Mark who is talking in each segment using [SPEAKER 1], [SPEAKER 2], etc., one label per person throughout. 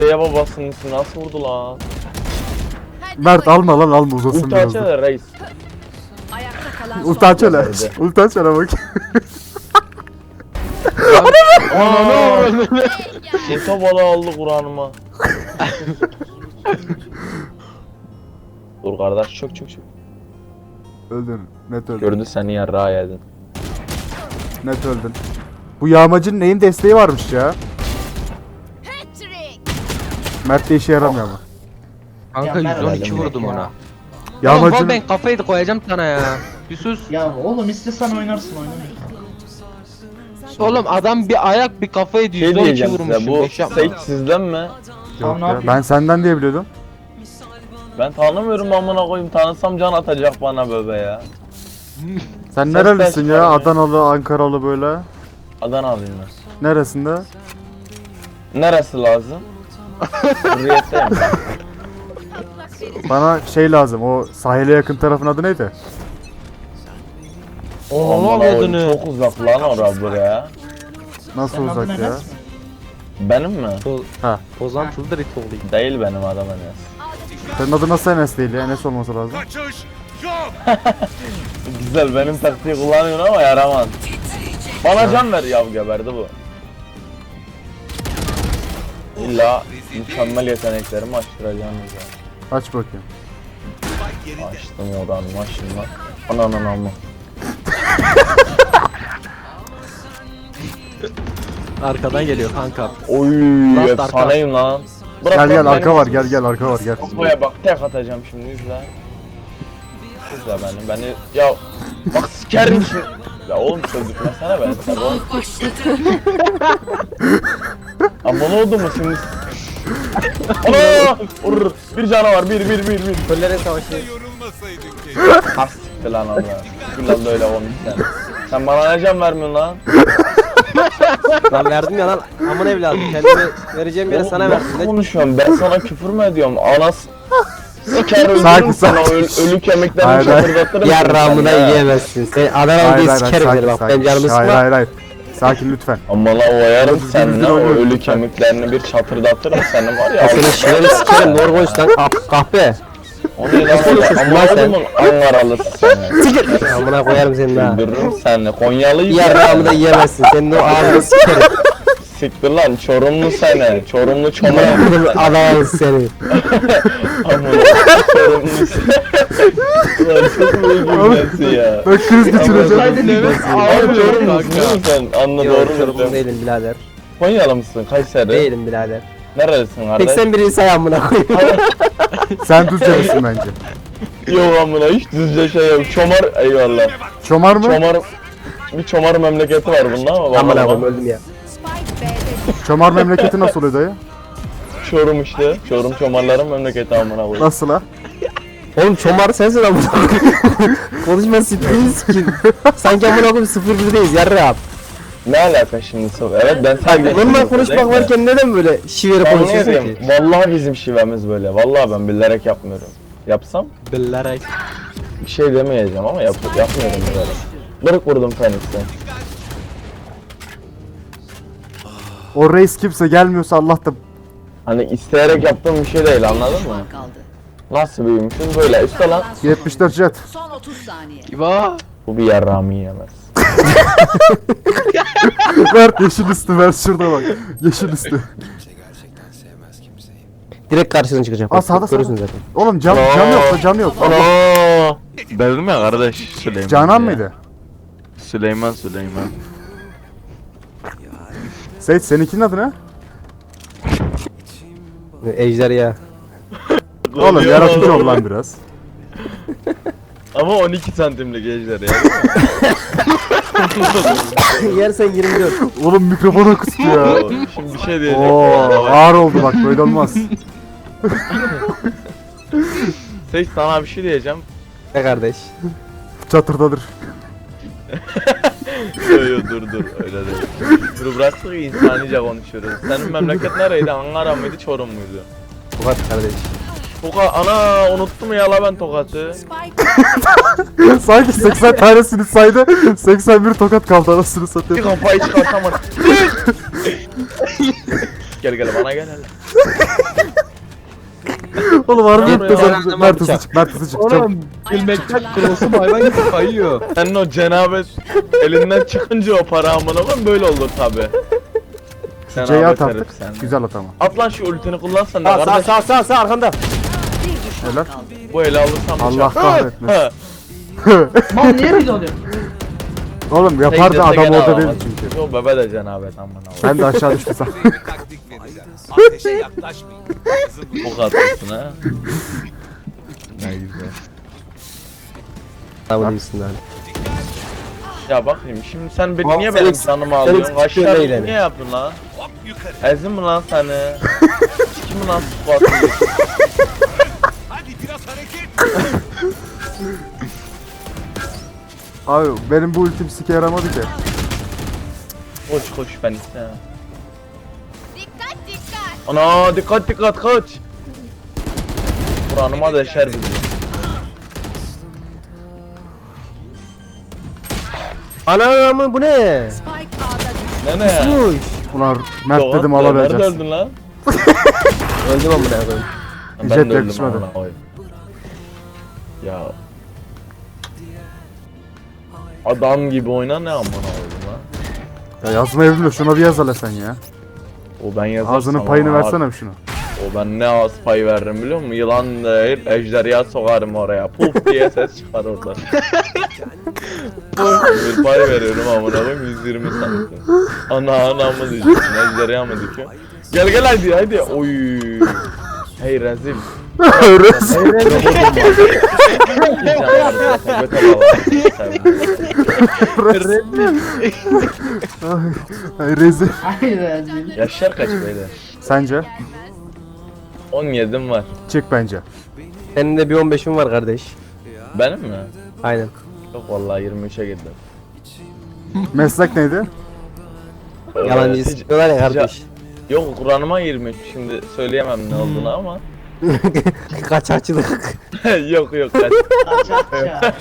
[SPEAKER 1] Ya babasının ismi nasıl vurdu lan?
[SPEAKER 2] Mert alma lan alma uzasın
[SPEAKER 1] Ulti
[SPEAKER 2] biraz da.
[SPEAKER 1] açana reis.
[SPEAKER 3] Ayakta kalan
[SPEAKER 2] Ulti aç hele.
[SPEAKER 1] Nerede?
[SPEAKER 2] Ulti aç hele bak.
[SPEAKER 1] Şeto balığı aldı Kur'an'ıma. Dur kardeş çök.
[SPEAKER 2] Öldün. Net öldün.
[SPEAKER 1] Gördü seni yarrağı yedin.
[SPEAKER 2] Net öldün. Bu yağmacının neyin desteği varmış ya. Mert de işe yaramıyor ama.
[SPEAKER 4] Kanka
[SPEAKER 5] Ya ben
[SPEAKER 4] 112
[SPEAKER 1] öldüm
[SPEAKER 4] vurdum
[SPEAKER 5] ya.
[SPEAKER 4] ona. Oğlum
[SPEAKER 2] Yağmacının...
[SPEAKER 4] ben kafayı da koyacağım sana ya. Bir sus.
[SPEAKER 5] Ya oğlum istesen oynarsın oynamıyorsun.
[SPEAKER 4] Oğlum adam bir ayak bir kafayı
[SPEAKER 1] Şey
[SPEAKER 4] 112
[SPEAKER 1] diyeceğim
[SPEAKER 4] vurmuşum.
[SPEAKER 1] size, bu
[SPEAKER 4] Beş yapma.
[SPEAKER 1] Sage sizden mi?
[SPEAKER 2] Yok
[SPEAKER 5] Tamam, ne
[SPEAKER 2] ya.
[SPEAKER 5] yapayım?
[SPEAKER 2] Ben senden diye biliyordum.
[SPEAKER 1] Ben tanımıyorum amına koyayım, tanısam can atacak bana bebe ya.
[SPEAKER 2] Sen
[SPEAKER 1] Ses
[SPEAKER 2] nerelisin
[SPEAKER 1] çıkar
[SPEAKER 2] ya?
[SPEAKER 1] ya.
[SPEAKER 2] Adanalı, Ankaralı böyle.
[SPEAKER 1] Adanalıyım ben.
[SPEAKER 2] Neresinde?
[SPEAKER 1] Neresi lazım? Hürriyetteyim ben.
[SPEAKER 2] Bana şey lazım. O sahile yakın tarafın adı neydi?
[SPEAKER 4] Oha
[SPEAKER 1] Amına koyayım,
[SPEAKER 4] adını.
[SPEAKER 1] çok uzak lan ora buraya.
[SPEAKER 2] Nasıl
[SPEAKER 5] Senin adın
[SPEAKER 2] uzak ya?
[SPEAKER 5] Enes mi?
[SPEAKER 1] Benim mi?
[SPEAKER 2] Ha.
[SPEAKER 4] Bozantılıdır it olayım.
[SPEAKER 1] Değil benim adam Enes.
[SPEAKER 2] Senin adın nasıl Enes değil ya? Enes olması lazım.
[SPEAKER 1] Güzel, benim taktiği kullanıyorsun ama yaramaz. Bana can ver ya, geberdi bu. İlla mükemmel yeteneklerimi açtıracağım ya.
[SPEAKER 2] Aç bakayım.
[SPEAKER 1] Açtım oranı maşallah. Ananın amma.
[SPEAKER 4] Arkadan geliyor kanka.
[SPEAKER 1] Oy
[SPEAKER 4] Last
[SPEAKER 1] efsaneyim lan. Bırak
[SPEAKER 2] Gel
[SPEAKER 1] lan
[SPEAKER 2] gel
[SPEAKER 1] beni.
[SPEAKER 2] arka var gel arka var gel.
[SPEAKER 1] Kafaya bak, tek atacağım şimdi, izle. İzle beni ya bak sikerim şimdi. Ya oğlum çözdürtmesene beni sen oğlum. Ama ne oldu mu şimdi? Ana! Vurur. Bir canavar, bir.
[SPEAKER 4] Köllere savaşı.
[SPEAKER 1] Ha siktir lan Allah. Güllan da öyle olmuş sen. Sen bana ne can vermiyorsun lan?
[SPEAKER 4] Lan verdim ya lan. Aman evladım kendime vereceğim yere sana
[SPEAKER 1] Oğlum,
[SPEAKER 4] verdim.
[SPEAKER 1] nasıl konuşuyorum? Ben sana küfür mü ediyorum? Anas siker öldürürüm
[SPEAKER 2] Sakin,
[SPEAKER 1] sana,
[SPEAKER 2] sakin.
[SPEAKER 1] ölü kemiklerini
[SPEAKER 2] Hayır, hayır.
[SPEAKER 1] çatırdatırım.
[SPEAKER 4] Yarrağımı da
[SPEAKER 1] seni ya.
[SPEAKER 4] yiyemezsin. Sen Adanalı diye sikerim seni bak. Benim canımı
[SPEAKER 2] Hayır
[SPEAKER 4] sıkma.
[SPEAKER 2] Sakin lütfen.
[SPEAKER 1] Ama la oyarım
[SPEAKER 2] Biz
[SPEAKER 1] seninle,
[SPEAKER 2] birbirimizi
[SPEAKER 1] o
[SPEAKER 2] oynuyoruz
[SPEAKER 1] ölü
[SPEAKER 2] lütfen.
[SPEAKER 1] kemiklerini bir çatırdatırım senin var ya.
[SPEAKER 4] Senin şiveni sikerim. Doğru konuş lan. Kahpe.
[SPEAKER 1] O ne lan?
[SPEAKER 4] konuşuyorsun lan
[SPEAKER 1] Ama
[SPEAKER 4] sen?
[SPEAKER 1] oğlum Ankaralısı seni.
[SPEAKER 4] Sikir. Amına koyarım seni daha.
[SPEAKER 1] Öldürürüm seni. Konyalıyım.
[SPEAKER 4] Yarrağımı da yiyemezsin. Senin o ağzını sikerim.
[SPEAKER 1] Siktir lan, Çorumlu seni. Çorumlu çomar.
[SPEAKER 4] Adanalı seni.
[SPEAKER 1] Amına Çorumlu seni. Ulan çok iyi gülmesi ya.
[SPEAKER 2] Ben kriz geçireceğim.
[SPEAKER 1] Abi Çorumlusun değil mi sen? Anla
[SPEAKER 4] Yok
[SPEAKER 1] doğru
[SPEAKER 4] Çorumlu
[SPEAKER 1] mu?
[SPEAKER 4] değilim birader.
[SPEAKER 1] Konyalı mısın? Kayseri?
[SPEAKER 4] Değilim birader.
[SPEAKER 1] Nerelisin kardeş?
[SPEAKER 4] 81. say amına koyayım.
[SPEAKER 2] Sen Düzce'lisin bence.
[SPEAKER 1] Yok amına, hiç düzce şey yok. Çomar, eyvallah.
[SPEAKER 2] Çomar mı?
[SPEAKER 1] Bir çomar memleketi var bunda ama
[SPEAKER 4] Amına
[SPEAKER 1] bakalım.
[SPEAKER 4] koyayım öldüm ya.
[SPEAKER 3] Spike B'de
[SPEAKER 2] Çomar memleketi nasıl oluyor dayı?
[SPEAKER 1] Çorum işte. Çorum çomarların memleketi amına koyayım.
[SPEAKER 2] Nasıl ha?
[SPEAKER 4] Oğlum çomar sensin amına koyayım. Konuşma siktiğiniz kim? Sanki amına koyayım 0-1'deyiz yarrağım.
[SPEAKER 1] Ne alaka şimdi? Evet ben sadece...
[SPEAKER 4] Normal konuşmak varken neden böyle şiveri
[SPEAKER 1] Ben ne
[SPEAKER 4] konuşuyorsun
[SPEAKER 1] diyeyim?
[SPEAKER 4] ki?
[SPEAKER 1] Vallahi bizim şivemiz böyle. Vallahi ben bilerek yapmıyorum. Yapsam
[SPEAKER 4] Bilerek.
[SPEAKER 1] bir şey demeyeceğim ama yapmıyorum böyle. Bırık vurdum Phoenix'e.
[SPEAKER 2] O reis kimse gelmiyorsa Allah da
[SPEAKER 1] Hani isteyerek yaptığım bir şey değil, anladın mı?
[SPEAKER 3] düşman kaldı.
[SPEAKER 1] Nasıl büyümüşüz böyle üstte lan.
[SPEAKER 2] 74 jet.
[SPEAKER 3] Son 30 saniye.
[SPEAKER 4] İba.
[SPEAKER 1] Bu bir yarrağımı yiyemez.
[SPEAKER 2] Ver yeşil üstü ver şurada bak. Yeşil üstü.
[SPEAKER 4] Direkt karşına çıkacağım.
[SPEAKER 2] Aa, sağda,
[SPEAKER 4] Görürsün
[SPEAKER 2] sağda.
[SPEAKER 4] zaten.
[SPEAKER 2] Oğlum cam yok da cam yok.
[SPEAKER 1] Ana! Dedim ya kardeş Süleyman.
[SPEAKER 2] Canan mıydı?
[SPEAKER 1] Süleyman.
[SPEAKER 2] Seyit seninkinin adı ne?
[SPEAKER 4] Ejder ya.
[SPEAKER 2] Oğlum yaratıcı ol lan biraz.
[SPEAKER 1] Ama 12 santimlik ejder ya.
[SPEAKER 4] Yersen 24.
[SPEAKER 2] Oğlum mikrofona kustu ya.
[SPEAKER 1] Şimdi bir şey diyeceğim.
[SPEAKER 2] Oo ağır oldu bak böyle olmaz.
[SPEAKER 1] Seç, sana bir şey diyeceğim.
[SPEAKER 4] Ne kardeş?
[SPEAKER 2] Çatırdadır.
[SPEAKER 1] Yo dur öyle değil. Dur bıraktık insanice konuşuyoruz. Senin memleket nereydi? Ankara mıydı, Çorum muydu?
[SPEAKER 4] Tokat kardeş.
[SPEAKER 1] Ana unuttum ya la ben Tokat'ı.
[SPEAKER 3] Spike
[SPEAKER 2] Sanki 80 tanesini saydı. 81 tokat kaldı anasını
[SPEAKER 1] Bir
[SPEAKER 2] satayım.
[SPEAKER 1] kafayı çıkartamadım. Gel bana gel hele.
[SPEAKER 2] Oğlum harbi
[SPEAKER 1] Tamam
[SPEAKER 2] gitti
[SPEAKER 1] ya.
[SPEAKER 2] sen. Mert hızlı çık. Mert hızlı çık. Çabuk.
[SPEAKER 4] Oğlum gülmekten cross'um hayvan gibi kayıyor.
[SPEAKER 1] Senin o cenabet elinden çıkınca o para amına koyayım böyle olur tabi.
[SPEAKER 2] C'yi at
[SPEAKER 1] herif
[SPEAKER 2] artık.
[SPEAKER 1] sen.
[SPEAKER 2] Güzel at ama.
[SPEAKER 1] At lan şu ultini kullansan da
[SPEAKER 4] Sağ
[SPEAKER 1] kardeş.
[SPEAKER 4] sağ arkanda.
[SPEAKER 3] Bir düşman
[SPEAKER 2] Helal.
[SPEAKER 3] kaldı.
[SPEAKER 1] Bu eli alırsam
[SPEAKER 2] Allah
[SPEAKER 1] bıçak.
[SPEAKER 2] kahretmesin.
[SPEAKER 1] Ha.
[SPEAKER 5] Mal niye biz alıyorsun?
[SPEAKER 2] Oğlum yapardı
[SPEAKER 1] Tek
[SPEAKER 2] adam
[SPEAKER 1] gene
[SPEAKER 2] orada
[SPEAKER 1] alamaz.
[SPEAKER 2] değil çünkü.
[SPEAKER 1] Yo bebe de cenabet amına koyayım.
[SPEAKER 2] Ben de aşağı düştüm sen.
[SPEAKER 6] Ateşe yaklaşmayın.
[SPEAKER 1] Bu kadınsın ha.
[SPEAKER 2] Ne güzel.
[SPEAKER 4] Tamam iyisin lan.
[SPEAKER 1] Ya bakayım şimdi sen
[SPEAKER 4] Ulan
[SPEAKER 1] niye
[SPEAKER 4] sen
[SPEAKER 1] benim
[SPEAKER 4] eks-
[SPEAKER 1] canımı
[SPEAKER 4] sen
[SPEAKER 1] alıyorsun?
[SPEAKER 4] eksik
[SPEAKER 1] Kaşlar
[SPEAKER 4] yönde
[SPEAKER 1] niye yaptın lan?
[SPEAKER 6] Hop yukarı.
[SPEAKER 1] Ezin mi lan seni? Kim mi lan squat'ı?
[SPEAKER 6] Hadi biraz hareket.
[SPEAKER 2] Abi benim bu ultim sike yaramadı ki.
[SPEAKER 1] Koş ben istemem. Dikkat. Ana dikkat kaç. Buranıma deşer bizi.
[SPEAKER 4] Anam bu ne?
[SPEAKER 3] Spike A'da düştü.
[SPEAKER 1] Ne?
[SPEAKER 4] Uy.
[SPEAKER 2] Ulan Mert
[SPEAKER 1] Doğan,
[SPEAKER 2] dedim
[SPEAKER 1] Nerede
[SPEAKER 2] alabileceğiz.
[SPEAKER 1] öldün lan?
[SPEAKER 4] Öldüm amına koyayım.
[SPEAKER 1] Ben
[SPEAKER 2] Jet
[SPEAKER 1] de öldüm
[SPEAKER 2] yakışmadı.
[SPEAKER 1] amına koyayım. Ya. Adam gibi oyna ne amına koyayım lan?
[SPEAKER 2] Ya yazmayı bilmiyor. Şuna bir yaz hele sen ya.
[SPEAKER 1] O ben yazarsam
[SPEAKER 2] Ağzının payını
[SPEAKER 1] ama
[SPEAKER 2] versene bir şunu.
[SPEAKER 1] O ben ne az pay veririm biliyor musun? Yılan değil, ejderha sokarım oraya. Puf diye ses çıkar orada. Puf bir pay veriyorum amına koyayım 120 santim. Ana mı diyeceksin, ejderha mı diyeceksin? Gel hadi. Oy. Hey rezil.
[SPEAKER 2] Rezil. Ay rezil.
[SPEAKER 5] Hayır.
[SPEAKER 1] Yaşlar kaç beyler?
[SPEAKER 2] Sence?
[SPEAKER 1] 17'm var.
[SPEAKER 2] Çık bence.
[SPEAKER 4] Senin de bir 15'in var kardeş.
[SPEAKER 1] Benim mi?
[SPEAKER 4] Aynen.
[SPEAKER 1] Yok vallahi 23'e girdim.
[SPEAKER 2] Meslek neydi?
[SPEAKER 4] Yalancı
[SPEAKER 1] Hiç-
[SPEAKER 4] sıkıyorlar ya kardeş.
[SPEAKER 1] Yok Kur'an'ıma 23 şimdi söyleyemem ne olduğunu ama.
[SPEAKER 4] Kaçakçılık.
[SPEAKER 1] yok kaç.
[SPEAKER 5] Kaçakça.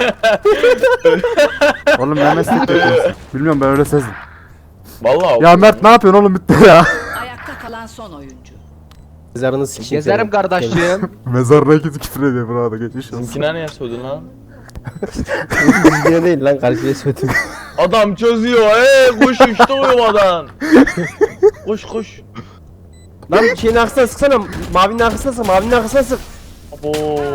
[SPEAKER 2] Oğlum ne meslek yapıyorsun? Bilmiyorum ben öyle sezdim.
[SPEAKER 1] Vallahi
[SPEAKER 2] Ya Mert ne yapıyorsun oğlum bitti ya.
[SPEAKER 3] Ayakta kalan son oyuncu.
[SPEAKER 4] Mezarını sikeyim.
[SPEAKER 7] Gezerim kardeşim.
[SPEAKER 2] Mezarına gidip küfür ediyor burada geçmiş olsun.
[SPEAKER 1] Bizimkine niye sordun lan?
[SPEAKER 4] Bizimkine değil lan karşıya söyledim.
[SPEAKER 1] Adam çözüyor koş işte uyumadan. Koş.
[SPEAKER 4] Lan şeyin arkasına sıksana. Mavinin arkasına sık. Mavinin arkasına sık.
[SPEAKER 1] Abo.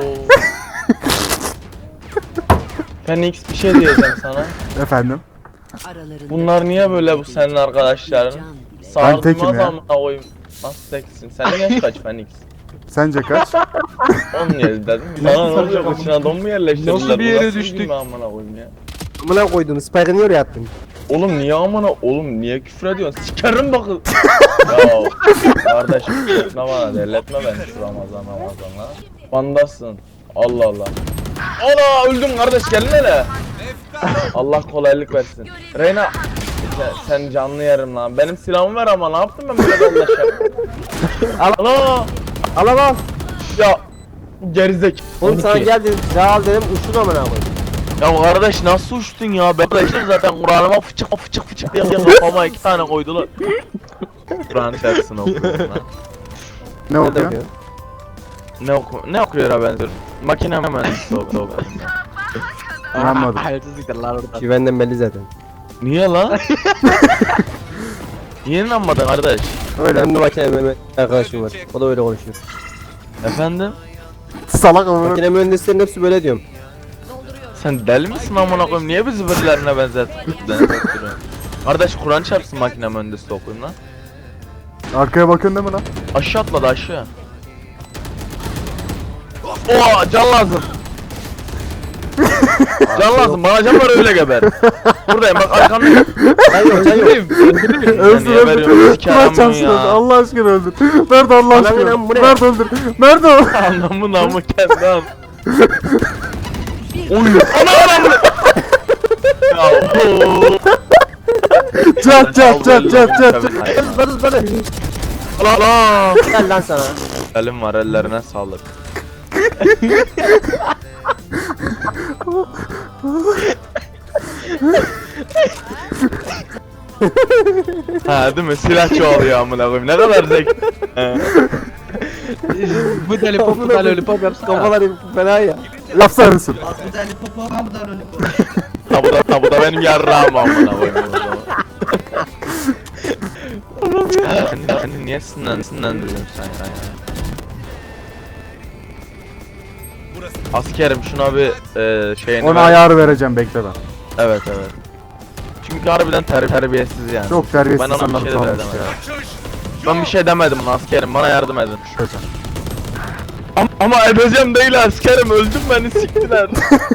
[SPEAKER 1] Phoenix bir şey diyeceğim sana.
[SPEAKER 2] Efendim?
[SPEAKER 3] Aralarında
[SPEAKER 1] Bunlar niye böyle bu senin arkadaşların?
[SPEAKER 2] Ben tekim
[SPEAKER 1] Sağırtmaz
[SPEAKER 2] ya.
[SPEAKER 1] amına koyayım. Nasıl teksin? Senin yaş kaç Phoenix?
[SPEAKER 2] Sence kaç?
[SPEAKER 1] 17 dedim. Sana ne olacak içine don mu yerleştirdiler?
[SPEAKER 7] Nasıl bir yere
[SPEAKER 1] Bu nasıl
[SPEAKER 7] düştük?
[SPEAKER 1] bilgi amına koyayım ya.
[SPEAKER 4] Amına koydum. Spike'ı niye oraya attın?
[SPEAKER 1] Oğlum niye amına oğlum niye küfür ediyorsun? Sikerim bakın. Ya kardeşim ne bana delletme beni şu Ramazan'la. Vandasın. Allah. Ana öldüm kardeş gelin hele. Allah kolaylık versin. Reyna sen canlı yerim lan. Benim silahımı ver ama ne yaptım ben böyle anlaşa? Ana
[SPEAKER 4] Al.
[SPEAKER 1] ya gerizek.
[SPEAKER 4] Oğlum sana gel dedim. Silah al dedim. Uçtun amına koydum.
[SPEAKER 1] Ya kardeş nasıl uçtun ya? Ben de işte zaten Kur'an'ıma fıçık diye kafama 2 tane koydular. Kur'an şarkısını okuyorum lan.
[SPEAKER 2] Ne okuyor?
[SPEAKER 1] Ne okuyor ha benziyor? Makine mühendisi oldu.
[SPEAKER 2] Anlamadım.
[SPEAKER 7] Hayırsızlıklar lan orada.
[SPEAKER 4] Güvenden belli zaten.
[SPEAKER 1] Niye lan? Niye inanmadın kardeş?
[SPEAKER 2] Öyle.
[SPEAKER 4] Benim de makine mühendisi arkadaşım var. O da öyle konuşuyor.
[SPEAKER 1] Efendim?
[SPEAKER 2] Salak amına.
[SPEAKER 4] Makine mühendislerin hepsi böyle diyorum.
[SPEAKER 1] Sen deli misin amına koyayım? Niye bizi birilerine benzetiyorsun? Kardeş Kur'an çarpsın makine mühendisi okuyayım lan.
[SPEAKER 2] Arkaya bakıyorsun değil mi lan?
[SPEAKER 1] Aşağı atladı aşağı. Oha can lazım. Can lazım bana can var öyle geber. Buradayım bak arkamda.
[SPEAKER 4] Can yok.
[SPEAKER 2] Öldür
[SPEAKER 1] niye veriyorsun?
[SPEAKER 2] öldür.
[SPEAKER 1] Sikerim
[SPEAKER 2] Mert
[SPEAKER 1] bunu
[SPEAKER 2] çarpsın
[SPEAKER 1] ya.
[SPEAKER 2] öldür. Allah aşkına öldür. Mert Allah
[SPEAKER 4] Anam
[SPEAKER 2] aşkına.
[SPEAKER 4] inan, bu ne?
[SPEAKER 2] Mert öldür. Mert o.
[SPEAKER 1] Anlamı namı kendi an. Oy. Ana. Ya. oo.
[SPEAKER 2] Çat.
[SPEAKER 4] Zıpladı.
[SPEAKER 1] Allah.
[SPEAKER 4] Gel lan sana.
[SPEAKER 1] Elim var ellerine sağlık. Ha değil mi? Silah çoğalıyor amına koyayım. Ne kadar zevk.
[SPEAKER 7] Bu deli pop bu deli lollipop yapsana.
[SPEAKER 4] Kafalar fena ya.
[SPEAKER 2] Laf sarısın.
[SPEAKER 5] Az bir tane popo al da öyle.
[SPEAKER 1] Ha bu da benim yarrağım amına koyayım o zaman. Sen niye sinirlendiriyorsun sen ya? Askerim şuna bir şeyini
[SPEAKER 2] Ona
[SPEAKER 1] ver.
[SPEAKER 2] ayarı vereceğim bekle ben.
[SPEAKER 1] Evet. Çünkü harbiden terbiyesiz yani.
[SPEAKER 2] Çok terbiyesiz
[SPEAKER 1] Ben ona bir
[SPEAKER 2] insanlar
[SPEAKER 1] şey de
[SPEAKER 2] kalmış
[SPEAKER 1] demedim.
[SPEAKER 2] ya.
[SPEAKER 1] Ben bir şey demedim ona askerim, bana yardım edin.
[SPEAKER 2] Şöyle.
[SPEAKER 1] Ama edeceğim değil askerim, öldüm beni siktiler.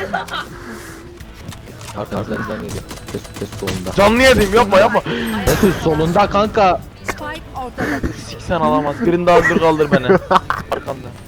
[SPEAKER 7] Arkanızdan geliyor. Ses solunda.
[SPEAKER 1] Canlı yediğim yapma.
[SPEAKER 7] Ses solunda kanka.
[SPEAKER 3] Spike ortada düştü.
[SPEAKER 1] Siksen alamaz. Birini daha kaldır beni. Arkamda.